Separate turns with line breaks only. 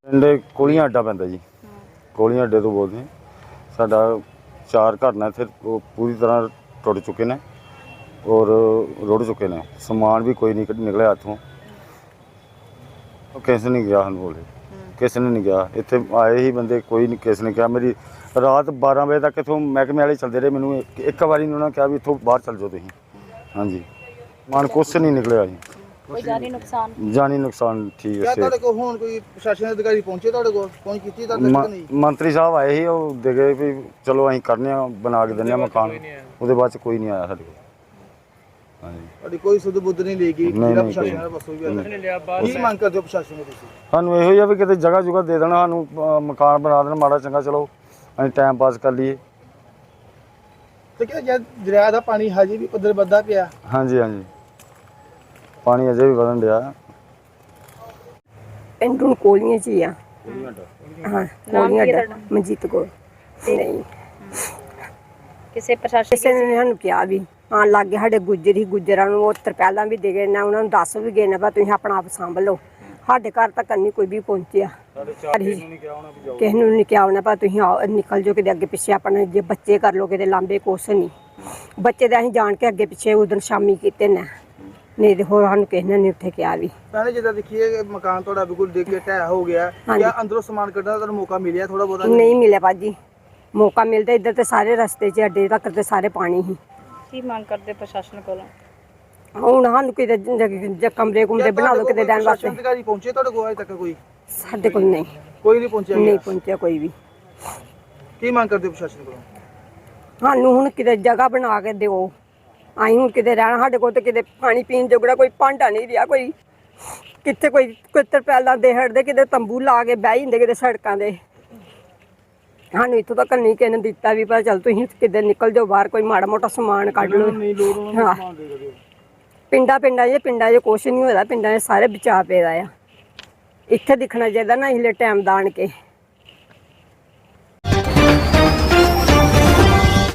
ਪਿੰਡ ਕੋਲੀਆਂ ਅੱਡਾ ਪੈਂਦਾ ਜੀ। ਕੋਲੀਆਂ ਅੱਡੇ ਤੋਂ ਬੋਲਦੇ ਹਾਂ। ਸਾਡਾ 4 ਘਰ ਨੇ ਇੱਥੇ ਉਹ ਪੂਰੀ ਤਰ੍ਹਾਂ ਟੁੱਟ ਚੁੱਕੇ ਨੇ ਔਰ ਰੁੜ ਚੁੱਕੇ ਨੇ। ਸਮਾਨ ਵੀ ਕੋਈ ਨਹੀਂ ਨਿਕਲਿਆ ਇੱਥੋਂ। ਕਿਸੇ ਨੇ ਗਿਆ ਸਾਨੂੰ ਬੋਲੇ, ਕਿਸੇ ਨੇ ਨਹੀਂ ਗਿਆ। ਇੱਥੇ ਆਏ ਹੀ ਬੰਦੇ, ਕੋਈ ਨਹੀਂ, ਕਿਸੇ ਨੇ ਕਿਹਾ। ਮੇਰੀ ਰਾਤ 12 ਵਜੇ ਤੱਕ ਇੱਥੋਂ ਮਹਿਕਮੇ ਵਾਲੇ ਚੱਲਦੇ ਰਹੇ। ਮੈਨੂੰ ਇੱਕ ਵਾਰੀ ਉਹਨਾਂ ਨੇ ਕਿਹਾ ਵੀ ਇੱਥੋਂ ਬਾਹਰ ਚੱਲ ਜਾਓ ਤੁਸੀਂ। ਹਾਂਜੀ, ਸਮਾਨ ਕੁਛ ਨਹੀਂ ਨਿਕਲਿਆ ਜੀ।
ਕੋਈ ਜਾਨੀ ਨੁਕਸਾਨ?
ਜਾਨੀ ਨੁਕਸਾਨ ਠੀਕ ਹੈ।
ਤੁਹਾਡੇ ਕੋਲ ਹੁਣ ਕੋਈ ਪ੍ਰਸ਼ਾਸਨ ਅਧਿਕਾਰੀ ਪਹੁੰਚੇ ਤੁਹਾਡੇ ਕੋਲ? ਪਹੁੰਚ ਕੀਤੀ ਤੁਹਾਡੇ ਤੱਕ ਨਹੀਂ?
ਮੰਤਰੀ ਸਾਹਿਬ ਆਏ ਸੀ, ਉਹ ਦੇ ਗਏ ਵੀ ਚਲੋ ਅਸੀਂ ਕਰਨੇ ਆ, ਬਣਾ ਕੇ ਦਿੰਦੇ ਆ ਮਕਾਨ। ਉਹਦੇ ਬਾਅਦ ਚ ਕੋਈ ਨਹੀਂ ਆਇਆ ਸਾਡੇ ਕੋਲ। ਹਾਂਜੀ,
ਤੁਹਾਡੀ ਕੋਈ ਸੁਧ ਬੁੱਧ ਨਹੀਂ ਲਈ ਗਈ?
ਨਹੀਂ,
ਪ੍ਰਸ਼ਾਸਨ ਦਾ ਬਸੋ ਵੀ ਕੀ ਮੰਗ ਕਰਦੇ ਹੋ ਪ੍ਰਸ਼ਾਸਨ ਨੂੰ ਤੁਸੀਂ?
ਸਾਨੂੰ ਇਹੋ ਹੀ ਆ ਵੀ ਕਿਤੇ ਜਗ੍ਹਾ ਜੁਗਾ ਦੇ ਦੇਣਾ ਸਾਨੂੰ, ਮਕਾਨ ਬਣਾ ਦੇਣ ਮਾੜਾ ਚੰਗਾ, ਚਲੋ ਅਸੀਂ ਟਾਈਮ ਪਾਸ ਕਰ ਲਈਏ।
ਤੇ ਕਿ ਜਦ ਦਰਿਆ ਦਾ ਪਾਣੀ ਹਜੇ ਵੀ ਪੱਧਰ ਵੱਧਦਾ ਪਿਆ?
ਹਾਂਜੀ ਹਾਂਜੀ, ਪਾਣੀ ਅਜੇ ਵੀ ਵਧਣ ਡਿਆ।
ਪਿੰਡ ਨੂੰ ਕੋਲੀਆਂ 'ਚ ਹੀ ਆ। ਹਾਂ, ਕੋਲੀਆਂ ਅੱਡਾ, ਮਨਜੀਤ ਕੋਲ। ਨਹੀਂ,
ਕਿਸੇ ਪ੍ਰਸ਼ਾਸਨ
ਕਿਸੇ ਨੇ ਸਾਨੂੰ ਕਿਹਾ ਵੀ ਹਾਂ ਲਾਗੇ ਸਾਡੇ ਗੁੱਜਰਾਂ ਨੂੰ ਉਹ ਤਰਪਾਲਾਂ ਵੀ ਦੇ ਗਏ ਨਾ, ਉਹਨਾਂ ਨੂੰ ਦੱਸ ਵੀ ਗਏ ਨੇ ਵੀ ਤੁਸੀਂ ਆਪਣਾ ਆਪ ਸੰਭ ਲਓ। ਸਾਡੇ ਘਰ ਤੱਕ ਨਹੀਂ ਕੋਈ ਵੀ ਪਹੁੰਚਿਆ। ਕਿਸੇ ਨੂੰ ਨਹੀਂ ਕਿਹਾ ਹੋਣਾ ਪਰ ਤੁਸੀਂ ਨਿਕਲ ਜਾਓ ਕਿਤੇ ਅੱਗੇ ਪਿੱਛੇ। ਆਪਣੇ ਜੇ ਬੱਚੇ ਕਰ ਲਓ ਕਿਤੇ ਲਾਂਬੇ, ਕੁਛ ਨਹੀਂ। ਬੱਚੇ ਤਾਂ ਅਸੀਂ ਜਾਣ ਕੇ ਅੱਗੇ ਪਿੱਛੇ ਉਦੋਂ ਸ਼ਾਮੀ ਕੀਤੇ ਨੇ, ਨਹੀਂ ਤੇ ਹੋਰ ਸਾਨੂੰ ਕਿਸੇ ਨੇ ਨਹੀਂ ਉੱਥੇ ਕਿਹਾ ਵੀ।
ਪਹਿਲੇ ਜਿੱਦਾਂ ਦੇਖੀਏ ਮਕਾਨ ਤੁਹਾਡਾ ਬਿਲਕੁਲ ਦੇਖ ਕੇ ਢਹਿ ਹੋ ਗਿਆ, ਜਾਂ ਅੰਦਰੋਂ ਸਮਾਨ ਕੱਢਣ ਦਾ ਤੁਹਾਨੂੰ ਮੌਕਾ ਮਿਲਿਆ ਥੋੜਾ ਬਹੁਤਾ?
ਨਹੀਂ ਮਿਲਿਆ ਭਾਜੀ, ਮੌਕਾ ਮਿਲਦਾ ਇੱਧਰ ਤੇ ਸਾਰੇ ਰਸਤੇ 'ਚ ਅੱਡੇ ਤੱਕ ਤੇ ਸਾਰੇ ਪਾਣੀ ਹੀ।
ਕੀ ਮੰਗ ਕਰਦੇ ਪ੍ਰਸ਼ਾਸਨ ਕੋਲੋਂ?
ਹੁਣ ਸਾਨੂੰ ਕਿਤੇ ਕਮਰੇ ਕੁਮਰੇ ਬਣਾ ਲਓ ਕਿਤੇ ਰਹਿਣ ਵਾਸਤੇ।
ਅਧਿਕਾਰੀ ਪਹੁੰਚੇ ਤੁਹਾਡੇ ਕੋਲ ਅਜੇ ਤੱਕ? ਕੋਈ
ਸਾਡੇ ਕੋਲ ਨਹੀਂ,
ਕੋਈ ਨਹੀਂ ਪਹੁੰਚਿਆ?
ਨਹੀਂ ਪਹੁੰਚਿਆ ਕੋਈ ਵੀ।
ਕੀ ਮੰਗ ਕਰਦੇ ਹੋ ਪ੍ਰਸ਼ਾਸਨ ਕੋਲੋਂ?
ਸਾਨੂੰ ਹੁਣ ਕਿਤੇ ਜਗ੍ਹਾ ਬਣਾ ਕੇ ਦਿਓ। ਅਸੀਂ ਹੁਣ ਕਿਤੇ ਰਹਿਣਾ, ਸਾਡੇ ਕੋਲ ਤੇ ਕਿਤੇ ਪਾਣੀ ਪੀਣ ਜੋਗੜਾ ਕੋਈ ਭਾਂਡਾ ਨਹੀਂ ਰਿਹਾ। ਕੋਈ ਕਿੱਥੇ ਕੋਈ ਤਰਪਾਲਾਂ ਦੇ ਹਟਦੇ, ਕਿਤੇ ਤੰਬੂ ਲਾ ਕੇ ਬਹਿ ਜਾਂਦੇ ਕਿਤੇ ਸੜਕਾਂ ਦੇ। ਸਾਨੂੰ ਇੱਥੋਂ ਤੱਕ ਨਹੀਂ ਕਿਸੇ ਨੇ ਦਿੱਤਾ ਵੀ ਪਰ ਚੱਲ ਤੁਸੀਂ ਕਿਤੇ ਨਿਕਲ ਜਾਓ ਬਾਹਰ, ਕੋਈ ਮਾੜਾ ਮੋਟਾ ਸਮਾਨ ਕੱਢ ਲਓ। ਹਾਂ, ਪਿੰਡਾਂ 'ਚ ਕੁਛ ਨਹੀਂ ਹੋਇਆ। ਪਿੰਡਾਂ 'ਚ ਸਾਰੇ ਬਚਾ ਪਏ ਦਾ ਆ। ਇੱਥੇ ਦਿਖਣਾ ਚਾਹੀਦਾ ਨਾ, ਇਸਲੇ ਟਾਈਮ ਦਾ ਆਣ ਕੇ।